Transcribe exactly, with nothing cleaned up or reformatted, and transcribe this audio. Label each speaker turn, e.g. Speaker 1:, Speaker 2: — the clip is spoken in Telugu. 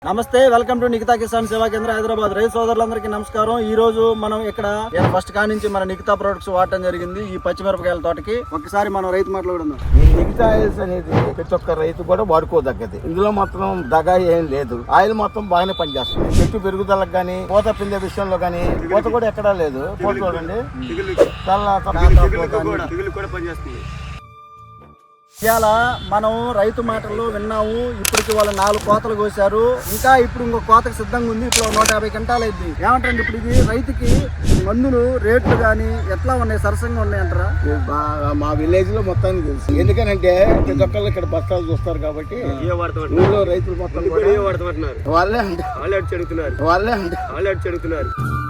Speaker 1: నమస్తే, వెల్కమ్ టు నిఖితా కిసాన్ సేవా కేంద్ర హైదరాబాద్. రైతు సోదరులందరికీ నమస్కారం. ఈ రోజు మనం ఇక్కడ ఫస్ట్ కా నుంచి మన నిఖితా ప్రొడక్ట్స్ వాడటం జరిగింది ఈ పచ్చిమిరపకాయల తోటకి. ఒకసారి మనం రైతు మాట్లాడుకుందాం.
Speaker 2: ఈ నిఖితా ఆయిల్స్ అనేది ప్రతి ఒక్క రైతు కూడా వాడుకోదగ్గది. ఇందులో మాత్రం దగా ఏం లేదు. ఆయిల్ మొత్తం బాగానే పనిచేస్తుంది. చెట్టు పెరుగుదలకు గానీ, పూత పిండే విషయంలో గానీ పూత కూడా ఎక్కడా లేదు. పూత చూడండి,
Speaker 1: ఇవాళ మనం రైతు మాటల్లో విన్నాము. ఇప్పటికి వాళ్ళు నాలుగు కోతలు కోసారు. ఇంకా ఇప్పుడు ఇంకో కోతకు సిద్ధంగా ఉంది. ఇప్పుడు నూట యాభై క్వింటాలు అయింది. ఏమంటారు ఇప్పుడు ఇది రైతుకి మందులు రేట్లు గానీ ఎట్లా ఉన్నాయి? సరసంగా ఉన్నాయంటారా?
Speaker 2: మా విలేజ్ లో మొత్తానికి తెలుసు. ఎందుకనంటే ప్రతి ఒక్కళ్ళు ఇక్కడ బస్తాలు చూస్తారు కాబట్టి ఊళ్ళో రైతులు మొత్తం వాళ్ళే అంటే వాళ్ళే అంటే వాళ్ళే అడుగుతున్నారు.